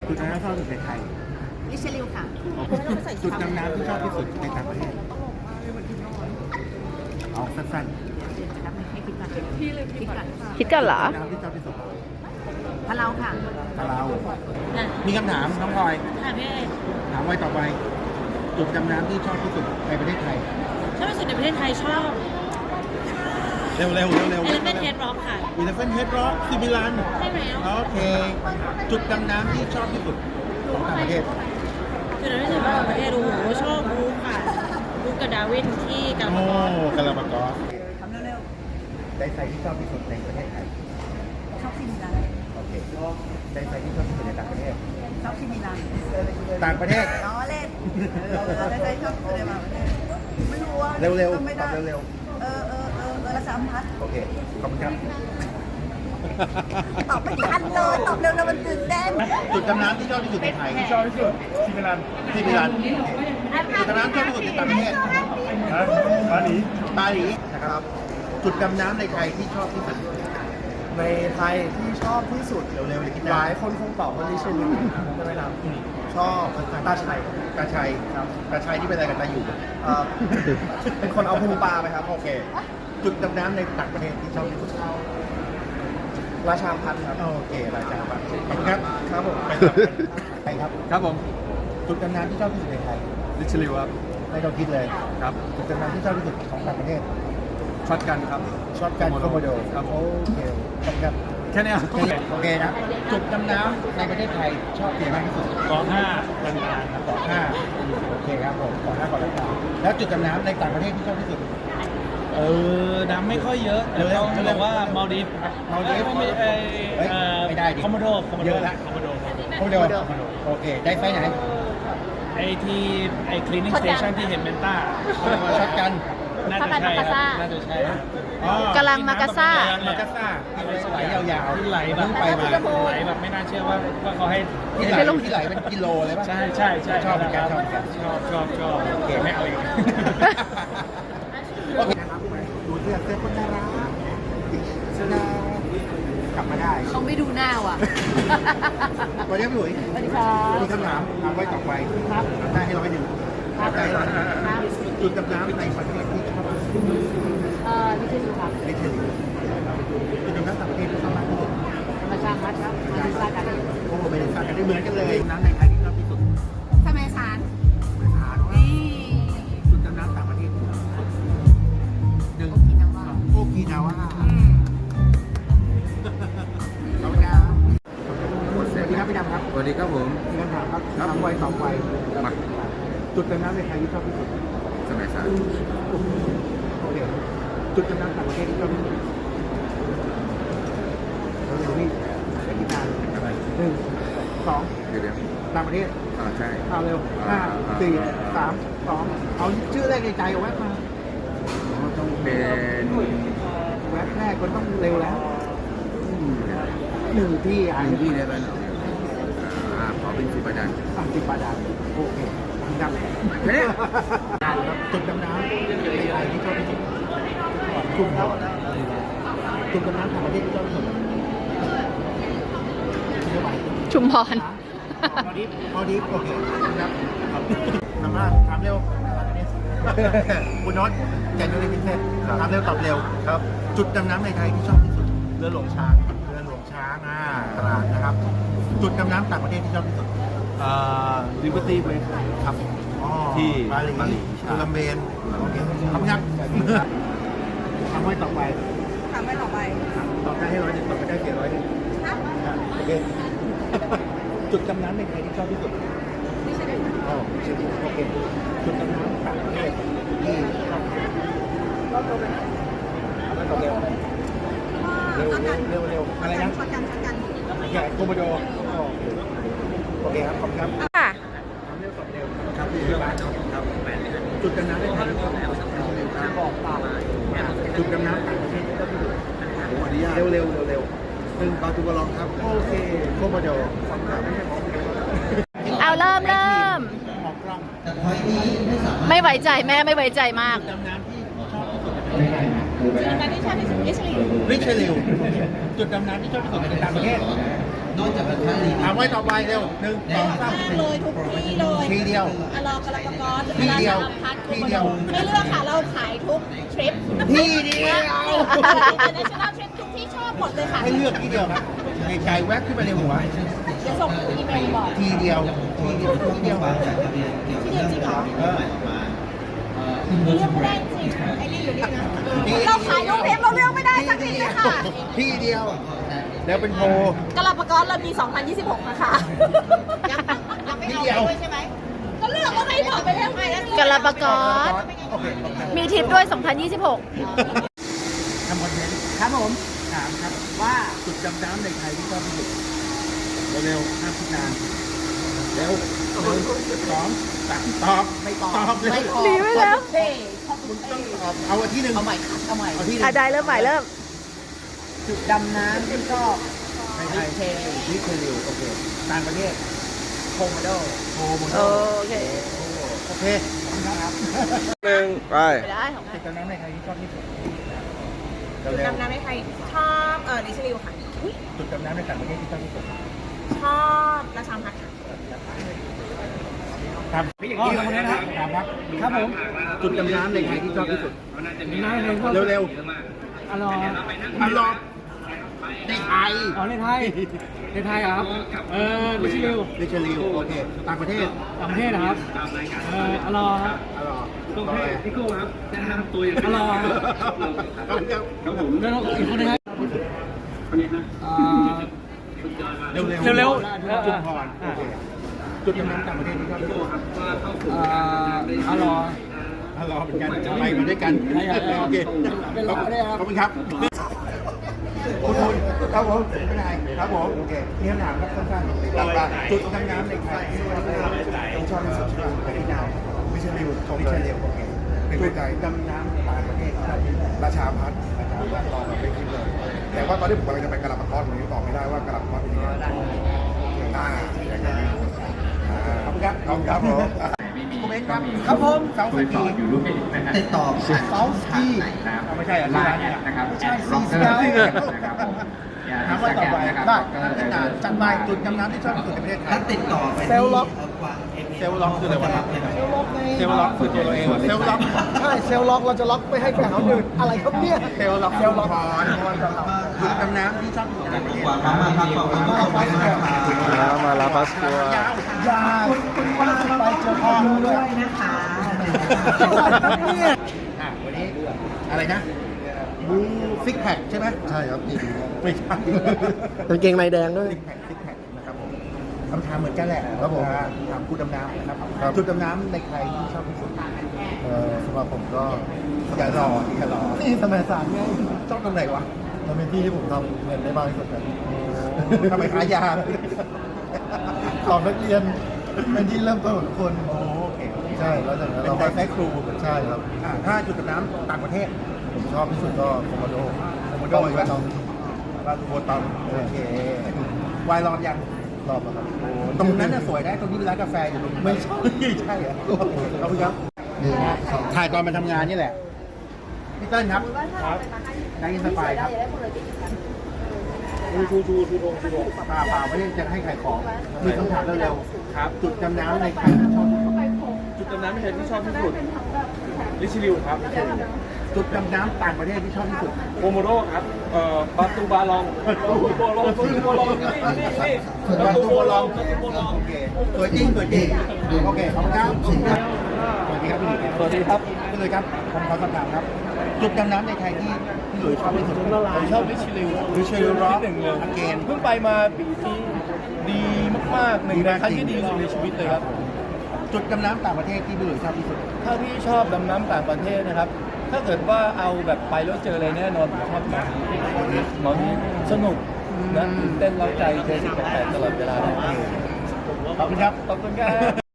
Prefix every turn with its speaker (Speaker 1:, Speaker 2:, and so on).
Speaker 1: จุดดำน้ำชอบที่สุดในไทย
Speaker 2: ลิเชลิวค่ะ
Speaker 1: จุดดำน้ำที่ชอบที่สุดในต่างประเทศเอาสั้น
Speaker 2: เดี๋ยวจะนับให้คิดก่อนคิดก่อน
Speaker 3: คิดกันเหรอ
Speaker 1: ๆน้ำที่ชอบที่สุด
Speaker 2: พะเราค่ะ
Speaker 1: ตาเรามีคำถามน้องพลอย
Speaker 2: ค่ะพี่
Speaker 1: ถามไว้ต่อไปจุดดำน้ำที่ชอบที่สุดในประเทศไทย
Speaker 2: ชอบที่สุดในประเทศไทยชอบ
Speaker 1: เร็วๆเร็วๆเร็ว
Speaker 2: Elephant Head Rock ค่ะ
Speaker 1: Elephant Head Rock ที่มิลาน
Speaker 2: ใช่ไหม
Speaker 1: โอเค จุดดำน้ำที่ชอบที่สุดของต่างประเทศ
Speaker 2: จุดนั้นที่สุดของประเทศโอ้โหชอบบู๊ค่ะบู๊กับดาวินที่กาลา
Speaker 1: โอ้
Speaker 2: ปากอส
Speaker 1: กาลาปากอส
Speaker 2: ทำเร็ว
Speaker 1: ไดไซที่ชอบที่สุดในประเทศไทย
Speaker 2: ๆชอบที่มิลาน
Speaker 1: โอเคไดไซที่ชอบที่สุดในต่างประเทศ
Speaker 2: ชอบที่มิลาน
Speaker 1: ต่างประเทศ
Speaker 2: ล้อเล่นได้ชอบที่ในประเทศไม่รู้ว่า
Speaker 1: เร็ว
Speaker 2: ไม่
Speaker 1: ๆต
Speaker 2: ได้
Speaker 1: อบเร็ว
Speaker 2: ละ3,000
Speaker 1: ๆโอเค ขอบคุณครับ
Speaker 2: ตอบไม่ทันเลยตอบเร็วๆมันตื่นเต้น
Speaker 1: จุดดำน้ำที่ชอบที่สุดในไทย
Speaker 4: ชอบที่สุดที่มิลาน
Speaker 1: ที่มิลานโอเคจุดดำน้ำชอบที่สุดในต่างประเทศ
Speaker 4: นะบาหลี
Speaker 1: ปารีสนะครับ จุดดำน้ำในไทยที่ชอบที่สุด
Speaker 4: ในไทยที่ชอบที่สุด
Speaker 1: เร็วๆเลยคิด
Speaker 4: ห
Speaker 1: ได้
Speaker 4: ลายคนคงตอบว่าลิเชลิวใช่ไหมครับชอบตาชัย
Speaker 1: ตาชัย
Speaker 4: ครับ
Speaker 1: ตาชัยที่เป็นอะไรกับตาอยู่
Speaker 4: เอ่อเป็นคนเอาพุงปลาไปครับ
Speaker 1: โอเค จุดดำน้ำในต่างประเทศที่ชอบที่สุด
Speaker 4: ราชาพันธ์ครับ
Speaker 1: โอเคราชาบัตรขอบคุณครับ
Speaker 4: ครับผม
Speaker 1: ไปครับ
Speaker 4: ครับผม
Speaker 1: จุดดำน้ำที่ชอบที่สุดในไทย
Speaker 4: ลิเชลิวครับ
Speaker 1: ไม่ต้องคิดเลย
Speaker 4: ครับ
Speaker 1: จุดดำน้ำที่ชอบที่สุดของต่างประเทศ
Speaker 4: ช็อตกันครับ
Speaker 1: ช็อตกันโคโมโด
Speaker 4: ครับ
Speaker 1: โอเคขอบคุณครับ
Speaker 4: แค่เนี้ย
Speaker 1: โอเคนะ จุดดำน้ำในประเทศไทยชอบที่ไหนมากที่สุด
Speaker 4: กองห้ากันงานครับ
Speaker 1: เกาะห้าโอเคครับผมเกาะห้าเกาะล้านแล้วจุดดำน้ำในต่างประเทศที่ชอบที่สุด
Speaker 4: น้ำไม่ค่อยเยอะแต่ต้องบอกว่ามาลดีฟ
Speaker 1: มาลดีฟ
Speaker 4: ไม่
Speaker 1: เฮ้ยไม่ได้ดิ
Speaker 4: คอมโมโด
Speaker 1: เยอะละ
Speaker 4: คอมโมโด
Speaker 1: โคโมโดโอเค ได้ไฟไหน
Speaker 4: ไอที่ไอคลีนิ่งสเตชันที่เห็นเมนต้า
Speaker 1: ช็อตกัน
Speaker 4: น่าจะใช่ครับน่าจะใช่
Speaker 1: อ๋อก
Speaker 3: ำลังมากาซ่า
Speaker 1: มากาซ่าที่ไหลยาวๆ
Speaker 4: ที่ไหลแบบ
Speaker 1: เพิ่งไปมา
Speaker 4: ไหลแบบไม่น่าเชื่อว่าเขาให้
Speaker 1: ที่ไหลเป็นกิโลเลยป่ะ
Speaker 4: ใช่ใช่ใช่
Speaker 1: ชอบเหมือนกัน
Speaker 4: ชอบโอเคไม่เอาอีก
Speaker 1: โอเคนะครับดูเสื้อคนน่ารักเสื้อกลับมาได้
Speaker 2: เขาไม่ดูหน้าว่ะ
Speaker 1: วันนี้พี่หลุย
Speaker 2: สวัสดีครับ
Speaker 1: มีคำถามถามไว้ต่อไปครับได้ให้100ได้ให้100จุดดำน้ำในประเทศที่ชอบ
Speaker 2: ลิเชลิวครับ
Speaker 1: ไม่ใช่จุดดำน้ำต่างประเทศที่ชอบมากที่สุด
Speaker 2: ธรรมชาติครับมาดูซากัน
Speaker 1: โอ้ไม่ได้สั่งกันได้เหมือนกันเลยน้ำในไทยที่ชอบที่สุด
Speaker 2: ทำไมสาร
Speaker 1: ไม่สาร
Speaker 2: นี่
Speaker 1: จุดดำน้ำต่างประเทศที่ชอบที่สุดหนึ่ง
Speaker 2: กินน้ำว่า
Speaker 1: โอกินาว่าขอบคุณครับสวัสดีครับพี่ดำครับ
Speaker 4: สวัสดีครับผม
Speaker 1: มีคำถามครับถามไวตอบไว
Speaker 4: มา
Speaker 1: จุดดำน้ำในไทยที่ชอบที่สุด
Speaker 4: สมัยสาร
Speaker 1: โอเคจุดดำน้ำต่างประเทศที่ชอบที่สุดเราอยู่นี่เป็นที่นาน
Speaker 4: อะไร
Speaker 1: หนึ่งสอง
Speaker 4: เดี๋ยว
Speaker 1: ต่างประเทศ
Speaker 4: ใช่
Speaker 1: เอาเร็ว
Speaker 4: อ่า
Speaker 1: 5 4 3 2เอาชื่อแรกในใจเอาแวบมา
Speaker 4: ต้องเป็น
Speaker 1: แวบแรกมันต้องเร็วแล้วหนึ่งที่อ่าน
Speaker 4: อันที่ได้ไหมขอเป็นสิบประดัน
Speaker 1: 30 บาทโอเคดังจุดดำน้ำในไทยที่ชอบที่สุดจุดจุดดำน้ำต่างประเทศที่ชอบที่สุด
Speaker 3: ชุมพร
Speaker 1: พอดีโอเคครับถามว่าถามเร็วคุณน็อตแจกเงินในพิเศษถามเร็วตอบเร็วครับ จุดดำน้ำในไทยที่ชอบที่สุด
Speaker 4: เรือหลวงช้าง
Speaker 1: เรือหลวงช้างตราดนะครับ จุดดำน้ำต่างประเทศที่ชอบที่สุด
Speaker 4: ลิเบอร์ตี้เวส
Speaker 1: ครับอ๋อ
Speaker 4: ที่
Speaker 1: บาหลี
Speaker 4: บาหลี
Speaker 1: โคลัมเบียโอเคขอบคุณครับทำไว้ต่อไป
Speaker 2: ทำไว้ต่อไป
Speaker 1: ตอบได้ให้100ตอบไม่ได้เสีย100โอเค จุดดำน้ำในไทยที่ชอบที่สุด
Speaker 2: ลิเชลิว
Speaker 1: อ๋อโอเค จุดดำน้ำต่างประเทศที่ชอบที่สุดเอาไปตอบเร็วเร็วอะไรนะ
Speaker 2: ช็อตกันช็อตกัน
Speaker 1: ใหญ่โคโมโดโอเคครับขอบคุณครับ
Speaker 3: ค่ะ
Speaker 1: ทำเร็วตอบเร็วครับที่ร้านครับจุดดำน้ำในไทยที่ชอบที่สุดบอกตามจุดดำน้ำต่างประเทศที่ชอบที่สุดเร็วหนึ่งปาตูบอลองครับโอเคโคโมโดขอบคุณครับ
Speaker 3: เอาเริ่ม
Speaker 1: ออกกล้อง
Speaker 3: ไม่ไว้ใจแม่ไม่ไว้ใจมาก
Speaker 1: ดำน้ำที่ชอบที่สุดในประเทศไทย
Speaker 2: จุดนั้นที่ชอบที่สุดลิเชลิว
Speaker 1: ริชลิวจุดดำน้ำที่ชอบที่สุดในต่างประเทศ
Speaker 5: นอกจากราคาลีน
Speaker 1: ไว้ต่อไปเร็ว1 2 3
Speaker 2: เลยทุกที่เลย
Speaker 1: ทีเดียว
Speaker 2: อลอกระปกร
Speaker 1: ที่เดียว
Speaker 2: พัด
Speaker 1: ที่เดียว
Speaker 2: ไม่เลือกค่ะ เราขายทุกทริป
Speaker 1: ที่เดียว
Speaker 2: international trip ทุกที่ชอบหมดเลยค่ะ
Speaker 1: ให้เลือกที่เดียวครับในใจแวบขึ้นไปในหัว
Speaker 2: เดี๋ยวส่งอีเมลบอก
Speaker 1: ทีเดียวทีเดียวทีเดียว
Speaker 5: จากทะเบียนเกี่ยวกับเรื่องที่เราใหม่ออกมา
Speaker 2: เลือกไม่ได้จริงไอ้นี่อยู่นี่นะเราขายทุกทริปเราเลือกไม่ได้สักทีเลยค่ะ
Speaker 1: ที่เดียวแล้วเป็นโพ
Speaker 2: กระปกรเรามี 2026 นะคะยังไม่เอาด้วยใช่ไหมก็เลือกก็ไม่บอกไปแล้วไง
Speaker 3: กระปกร
Speaker 1: โอเค
Speaker 3: มีทริปด้วย 2026
Speaker 1: ทำคอนเทนต์ครับผมถามครับว่าจุดดำน้ำในไทยที่ชอบที่สุดเร็วๆห้ามคิดนานเร็ว1 2 3ตอบไม่ตอบเลย
Speaker 3: หนีไปแล้ว
Speaker 1: คุณต้องตอบเอาที่หนึ่ง
Speaker 4: เอาใหม่ครับเอาใหม่
Speaker 1: เอาที่หนึ่
Speaker 3: อ่ะ
Speaker 1: ง
Speaker 3: ได้เริ่มใหม่เริ่ม
Speaker 4: จุดดำน้ำที่ชอบ
Speaker 1: ในไทยวิเทลิวโอเคต่างประเทศ
Speaker 4: โคโมโด
Speaker 1: โฮโมโด
Speaker 3: โอเค
Speaker 1: โอเคครับ
Speaker 3: ไปได้ของ
Speaker 1: จุดดำน้ำในไทยที่ชอบที่สุด
Speaker 2: จุด
Speaker 1: เร็ว
Speaker 2: ดำน้ำในไทยชอบดิชลิวค่ะ
Speaker 1: ๆจุดดำน้ำในต่างประเทศที่ชอบที่สุด
Speaker 2: ชอบราชาพัฒน์ค่ะ
Speaker 1: ครับคนนี้นะครับถามครับครับผมจุดดำน้ำในไทยที่ชอบที่สุดเร็วๆ
Speaker 6: อร่อย
Speaker 1: อันรอบในไทย
Speaker 6: อ๋อในไทย ในไทยเหรอครับ ดิชิลิว
Speaker 1: ดิชลิวโอเคต่างประเทศ
Speaker 6: ต่างประเทศนะครับ อร่อยครับ
Speaker 1: อร่อย
Speaker 6: ตรงเพศพี่กุ้งครับแนะนำตัวอย่างอร่อย
Speaker 1: ครับผม
Speaker 6: แล้วอีกคนนึงครับ
Speaker 1: เร็ว
Speaker 6: เร็ว
Speaker 1: จุดพรโอเคจุดดำน้ำต่างประเทศที่ชอบที่สุด
Speaker 6: อร่อย
Speaker 1: อร่อยเหมือนกันไปมาด้วยกันโอเคขอบคุณครับคุณครับผมไม่ได้ครับผมโอเคมีคำถามครับสั้นๆต่างๆจุดดำน้ำในไทยที่ชอบที่สุดใช่ไหมที่นาววิชลิววิชลิวโอเคจุดดำน้ำต่างประเทศราชาพัฒน์ตอบมาไม่คิดเลยแต่ว่าตอนที่ผมกำลังจะไปกระลาปะทอดผมยังตอบไม่ได้ว่ากระลาปะทอดเป็นยังไงขอบคุณครับขอบคุณครับผมคุณเอ็กครับครับผมเสาสกี
Speaker 5: ติดต่อผ่าน
Speaker 1: เสาสกีไม่ใช่อะไรนะครับใช่ซีสกีถามว่าต่อไปได้จัดไปจุดดำน้ำที่ชอบที่สุดในประเทศไทย
Speaker 5: ถ้าติดต่อไป
Speaker 1: เซลล็อกเซลล็อกคืออะไรวะเซลล็อกคือตัวเราเองเซลล็อก
Speaker 4: ใช่เซลล์ล็อกเราจะล็อกไม่ให้แข่งเขาอื่นอะไรครับเนี่ย
Speaker 1: เซลล็อกจุดดำน้ำที่ชอบที่สุดในประเทศ
Speaker 5: วางมาพักก่อน
Speaker 7: มาลาพัสตัวย
Speaker 1: าว
Speaker 4: อย่าคุณว่าจะไปเจอพ่อด้วยนะคะ
Speaker 1: วันนี้อะไรนะบูซิกแพคใช่ไหมใช่ครับไม่ใช่
Speaker 7: กางเกงในแดงด้วย
Speaker 1: ซิกแพคนะครับผมคำถามเหมือนกันแหละถามคุณดำน้ำนะครับจุดดำน้ำในใครที่ชอบที่สุด
Speaker 7: สำหรับผมก็
Speaker 1: อย่ารอนี่สมัยสามไงชอบตรงไหนวะ
Speaker 7: มันเป็นที่ที่ผมทำเงินได้มากที่สุดครับ
Speaker 1: ทำไมขายยา
Speaker 7: สอบนักเรียนเป็นที่เริ่มต้นของทุกคน
Speaker 1: โอเค
Speaker 7: ใช่แล้วจากนั้น
Speaker 1: เป็น
Speaker 7: เรา
Speaker 1: ไฟ
Speaker 7: ก็
Speaker 1: แฟครู
Speaker 7: ใช่ครับ
Speaker 1: ถ้าจุดดำน้ำต่างประเทศ
Speaker 7: ผมชอบที่สุดก็โคโมโด
Speaker 1: โคโมโดอีกแล้วลาตูโบตอมโอเควายรอนยัง
Speaker 7: รอบแล้วครับ
Speaker 1: ตรงนั้นน่ะสวยได้ตรงนี้เป็นร้านกาแฟอยู่ตรงนี้ไม่ใช่ใช่เหรอขอบคุณครับถ่ายตอนมาทำงานนี่แหละพี่เติ้ลครับได้ยินสบายครับชูเปล่าไม่ได้จะให้ขายของมีคำถามเร็วๆครับจุดดำน้ำในใครชอบที่สุด
Speaker 6: จุดดำน้ำในไทยที่ชอบที่สุด ดิชิลิวครับ
Speaker 1: จุดดำน้ำต่างประเทศที่ชอบที่สุด
Speaker 6: โคโมโดครับปาตูบาลองปาตูบาลองนี่
Speaker 1: บาตูโบลองโอเคตัวจริงโอเคขอบคุณครับสวัสดีครับพี่หลุย
Speaker 6: สวัสดีครับ
Speaker 1: พี่หลุยครับผมขอสอบถามครับ จุดดำน้ำในไทยที่พี่หลุยชอบที่สุด
Speaker 6: ผมชอบดิชิลิว
Speaker 1: ดิชิลิวร็อก
Speaker 6: หนึ่งเลย
Speaker 1: อเกน
Speaker 6: เพิ่งไปมาปีที่ดีมากๆหนึ่งในครั้งที่ดีที่สุดในชีวิตเลยครับ
Speaker 1: จุดดำน้ำต่างประเทศที่พี่หลุยชอบที่สุด
Speaker 6: ถ้าพี่ชอบดำน้ำต่างประเทศนะครับ ถ้าเกิดว่าเอาแบบไปแล้วเจออะไรแน่นอนผมชอบหมอนี้สนุกนะตื่นเต้นเร้าใจเจอสิ่งแปลกๆตลอดเวลาเลย
Speaker 1: ขอบคุณครับ
Speaker 6: ขอบคุณครับ